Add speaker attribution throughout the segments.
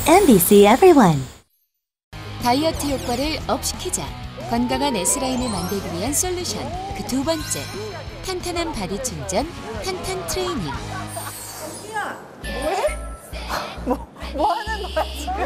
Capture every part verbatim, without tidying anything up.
Speaker 1: 엠비씨 Everyone.
Speaker 2: 다이어트 효과를 업시키자. 건강한 S라인을 만들기 위한 솔루션. 그 두 번째. 탄탄한 바디 충전, 탄탄 트레이닝.
Speaker 3: 왜? 뭐, 뭐 하는 거야 지금?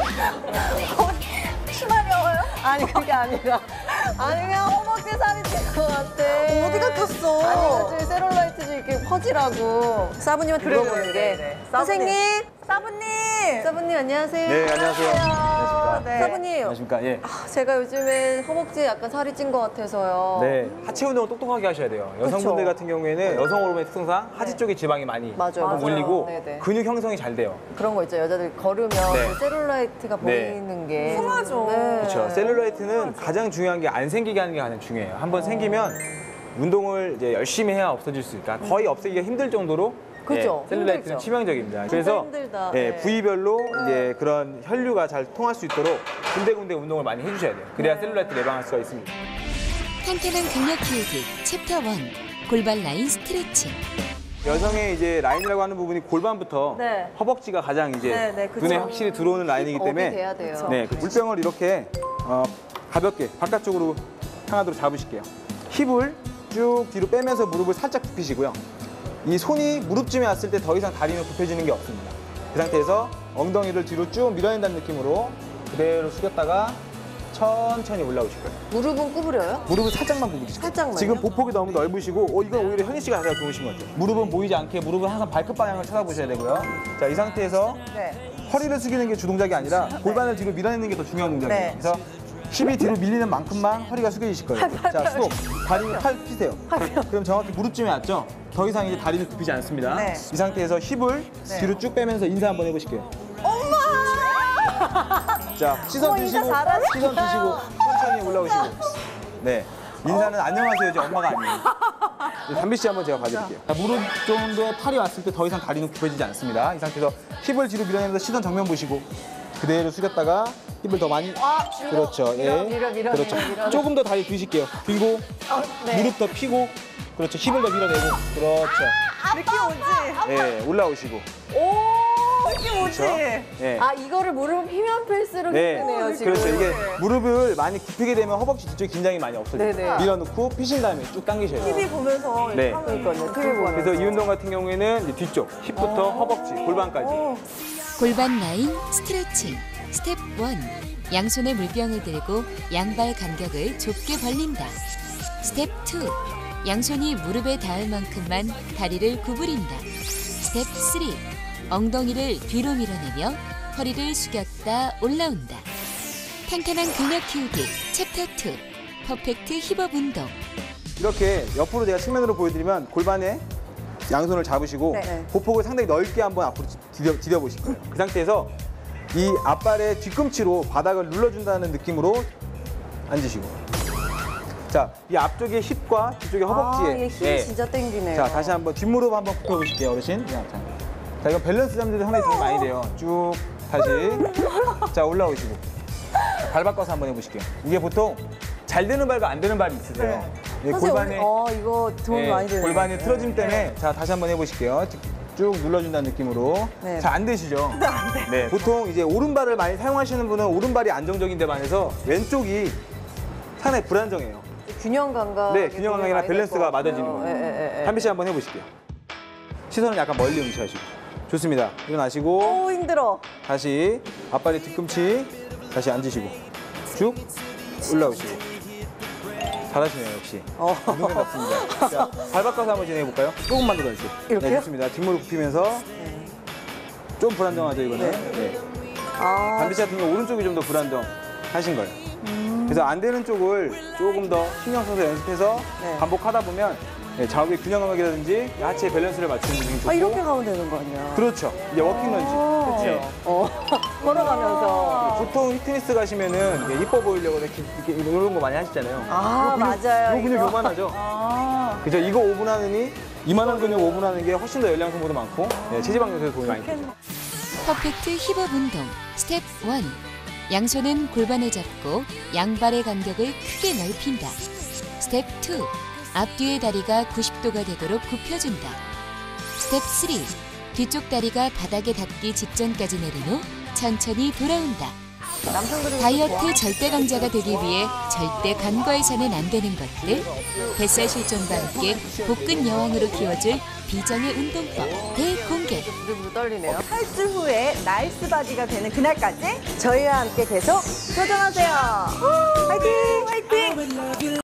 Speaker 3: 심하려워요? 아니 그게 아니라 아니 그냥 허벅지 살이 찔 것 같아. 어디가 쪘어? 아니 요즘 셀룰라이트 좀 이렇게 퍼지라고 사부님한테
Speaker 4: 그래,
Speaker 3: 물어보는
Speaker 4: 그래,
Speaker 3: 게
Speaker 4: 그래, 그래.
Speaker 3: 선생님! 사부님! 사부님 안녕하세요.
Speaker 4: 네, 안녕하세요. 안녕하십니까.
Speaker 3: 네. 사부님,
Speaker 4: 안녕하십니까. 예.
Speaker 3: 아, 제가 요즘에 허벅지에 약간 살이 찐 것 같아서요.
Speaker 4: 네, 하체 운동을 똑똑하게 하셔야 돼요. 여성분들
Speaker 3: 그쵸.
Speaker 4: 같은 경우에는 여성 호르몬의 특성상 하체
Speaker 3: 네.
Speaker 4: 쪽에 지방이 많이
Speaker 3: 맞아요, 맞아요.
Speaker 4: 몰리고
Speaker 3: 네네.
Speaker 4: 근육 형성이 잘 돼요.
Speaker 3: 그런 거 있죠. 여자들 걸으면
Speaker 4: 네.
Speaker 3: 그 셀룰라이트가
Speaker 4: 네.
Speaker 3: 보이는 게
Speaker 5: 흔하죠.
Speaker 3: 네.
Speaker 4: 그렇죠. 셀룰라이트는 가장 중요한 게 안 생기게 하는 게 가장 중요해요. 한번 생기면 운동을 이제 열심히 해야 없어질 수 있다. 거의 없애기가 힘들 정도로
Speaker 3: 그죠.
Speaker 4: 예, 셀룰라이트는
Speaker 3: 힘들죠.
Speaker 4: 치명적입니다. 그래서
Speaker 3: 힘들다.
Speaker 4: 예,
Speaker 3: 네.
Speaker 4: 부위별로 이제 그런 혈류가 잘 통할 수 있도록 군데군데 운동을 많이 해주셔야 돼요. 그래야 셀룰라이트 예방할 수가 있습니다.
Speaker 2: 탄탄한 근력 키우기 챕터 일. 골반 라인 스트레칭.
Speaker 4: 여성의 이제 라인이라고 하는 부분이 골반부터
Speaker 3: 네.
Speaker 4: 허벅지가 가장 이제
Speaker 3: 네, 네, 그쵸.
Speaker 4: 눈에 확실히 들어오는 라인이기
Speaker 3: 업이
Speaker 4: 때문에
Speaker 3: 돼야 돼요.
Speaker 4: 네, 그 물병을 이렇게 어, 가볍게 바깥쪽으로 향하도록 잡으실게요. 힙을 쭉 뒤로 빼면서 무릎을 살짝 굽히시고요. 이 손이 무릎쯤에 왔을 때 더 이상 다리는 굽혀지는 게 없습니다. 그 상태에서 엉덩이를 뒤로 쭉 밀어낸다는 느낌으로 그대로 숙였다가 천천히 올라오실 거예요.
Speaker 3: 무릎은 구부려요?
Speaker 4: 무릎을 살짝만 구부리시고
Speaker 3: 살짝만요?
Speaker 4: 지금 보폭이 너무 넓으시고 어, 이건 오히려 현희 씨가 가장 좋으신 것 같아요. 무릎은 보이지 않게 무릎은 항상 발끝 방향을 쳐다보셔야 되고요. 자, 이 상태에서
Speaker 3: 네.
Speaker 4: 허리를 숙이는 게 주동작이 아니라 골반을 뒤로 밀어내는 게 더 중요한 동작이에요.
Speaker 3: 네.
Speaker 4: 그래서 힙이 뒤로 밀리는 만큼만 허리가 숙여지실 거예요. 자, 스톱. 다리 팔 피세요. 그럼 정확히 무릎쯤에 왔죠? 더 이상 이제 다리를 굽히지 않습니다.
Speaker 3: 네.
Speaker 4: 이 상태에서 힙을 뒤로 쭉 빼면서 인사 한번 해보실게요. 자, 시선
Speaker 3: 어머, 인사
Speaker 4: 드시고,
Speaker 3: 잘하시다.
Speaker 4: 시선 드시고, 천천히 올라오시고. 네. 인사는 안녕하세요, 이제 엄마가 아니에요. 네, 담비 씨 한번 제가 봐드릴게요. 자, 무릎 정도의 팔이 왔을 때 더 이상 다리는 굽혀지지 않습니다. 이 상태에서 힙을 뒤로 밀어내면서 시선 정면 보시고 그대로 숙였다가 힙을 더 많이. 그렇죠.
Speaker 3: 밀어, 밀어, 밀어,
Speaker 4: 그렇죠.
Speaker 3: 밀어, 밀어.
Speaker 4: 조금 더 다리 드실게요. 들고
Speaker 3: 네.
Speaker 4: 무릎 더 펴고. 그렇죠. 힙을 더 밀어내고. 그렇죠.
Speaker 5: 느낌 오지?
Speaker 4: 네, 올라오시고.
Speaker 5: 오, 느낌 오지?
Speaker 4: 그렇죠. 네.
Speaker 3: 아 이거를 무릎 피면 필수록
Speaker 4: 네,
Speaker 3: 힘드네요 지금.
Speaker 4: 그렇죠. 이게 무릎을 많이 굽히게 되면 허벅지 뒤쪽에 긴장이 많이 없어져요.
Speaker 3: 네네.
Speaker 4: 밀어넣고 피신 다음에 쭉 당기셔야 돼요.
Speaker 5: 티비 보면서
Speaker 4: 네.
Speaker 5: 이렇게 하면
Speaker 3: 그러니까요. 되게 좋아요.
Speaker 4: 그래서 이 운동 같은 경우에는 이제 뒤쪽, 힙부터 허벅지, 골반까지.
Speaker 2: 골반 라인 스트레칭. 스텝 일. 양손에 물병을 들고 양발 간격을 좁게 벌린다. 스텝 이. 양손이 무릎에 닿을 만큼만 다리를 구부린다. 스텝 삼. 엉덩이를 뒤로 밀어내며 허리를 숙였다 올라온다. 탄탄한 근력 키우기 챕터 이. 퍼펙트 힙업 운동.
Speaker 4: 이렇게 옆으로 제가 측면으로 보여드리면 골반에 양손을 잡으시고
Speaker 3: 네.
Speaker 4: 보폭을 상당히 넓게 한번 앞으로 디뎌, 디뎌 보실 거예요. 그 상태에서 이 앞발의 뒤꿈치로 바닥을 눌러준다는 느낌으로 앉으시고. 자, 이 앞쪽의 힙과 뒤쪽의 허벅지에.
Speaker 3: 아, 이게 힘이
Speaker 4: 예.
Speaker 3: 진짜 땡기네요.
Speaker 4: 자, 다시 한번 뒷무릎 한번 굽혀보실게요, 어르신. 자, 자. 자, 이건 밸런스 잡는 데 상당히 도움이 많이 돼요. 쭉 다시. 자, 올라오시고. 자, 발 바꿔서 한번 해보실게요. 이게 보통 잘 되는 발과 안 되는 발이 있으세요. 예,
Speaker 3: 선생님,
Speaker 4: 골반에,
Speaker 3: 어 이거 도움이
Speaker 4: 예,
Speaker 3: 많이 되네요.
Speaker 4: 골반의 틀어짐 때문에 자, 다시 한번 해보실게요. 쭉 눌러준다는 느낌으로.
Speaker 3: 네.
Speaker 4: 잘 안 되시죠? 네, 보통 이제 오른발을 많이 사용하시는 분은 오른발이 안정적인 데 반해서 왼쪽이 상당히 불안정해요.
Speaker 3: 균형 감각.
Speaker 4: 네, 균형 감각이나 밸런스가 맞아지는 거예요.
Speaker 3: 예, 예, 예.
Speaker 4: 한비 씨 한번 해보실게요. 시선을 약간 멀리 응시하시고. 좋습니다. 일어나시고
Speaker 3: 오 힘들어.
Speaker 4: 다시 앞발의 뒤꿈치 다시 앉으시고 쭉 올라오시고. 잘하시네요, 역시.
Speaker 3: 어.
Speaker 4: 운동회 같습니다. 자, 발 바꿔서 한번 진행해볼까요? 조금만 더 던지세요.
Speaker 3: 이렇게요?
Speaker 4: 네, 좋습니다. 뒷무릎 굽히면서 좀 불안정하죠, 이거는. 네.
Speaker 3: 아
Speaker 4: 담비 씨 같은 경우 오른쪽이 좀 더 불안정하신 거예요.
Speaker 3: 음.
Speaker 4: 그래서 안 되는 쪽을 조금 더 신경 써서 연습해서
Speaker 3: 네.
Speaker 4: 반복하다 보면 네, 좌우의 균형 감각이라든지 하체 밸런스를 맞추는 게 좋고.
Speaker 3: 아, 이렇게 가면 되는 거 아니야?
Speaker 4: 그렇죠. 이제 워킹 런지.
Speaker 3: 그렇죠. 어 걸어가면서.
Speaker 4: 보통 피트니스 가시면은 이게 이뻐 보이려고 이렇게, 이렇게 이런 거 많이 하시잖아요.
Speaker 3: 아
Speaker 4: 요 근육,
Speaker 3: 맞아요.
Speaker 4: 요 근육
Speaker 3: 이거.
Speaker 4: 요만하죠.
Speaker 3: 아.
Speaker 4: 그죠? 이거 오 분 하느니 이만한 근육 오 분 하는 게 훨씬 더 열량 소모도 많고 네, 체지방 요소에 도움이 많이 되죠.
Speaker 2: 퍼펙트 힙업 운동 스텝 일. 양손은 골반을 잡고 양발의 간격을 크게 넓힌다. 스텝 이. 앞뒤의 다리가 구십 도가 되도록 굽혀준다. 스텝 삼. 뒤쪽 다리가 바닥에 닿기 직전까지 내린 후 천천히 돌아온다.
Speaker 3: 남성들이
Speaker 2: 다이어트 절대 강자가 되기 위해 절대 간과해서는 안 되는 것들. 뱃살 실종과 함께 복근 여왕으로 키워줄 비정의 운동법 대공개.
Speaker 3: 물 떨리네요.
Speaker 5: 팔 주 후에 나이스 바디가 되는 그날까지
Speaker 3: 저희와 함께 계속 도전하세요.
Speaker 5: 화이팅! 화이팅!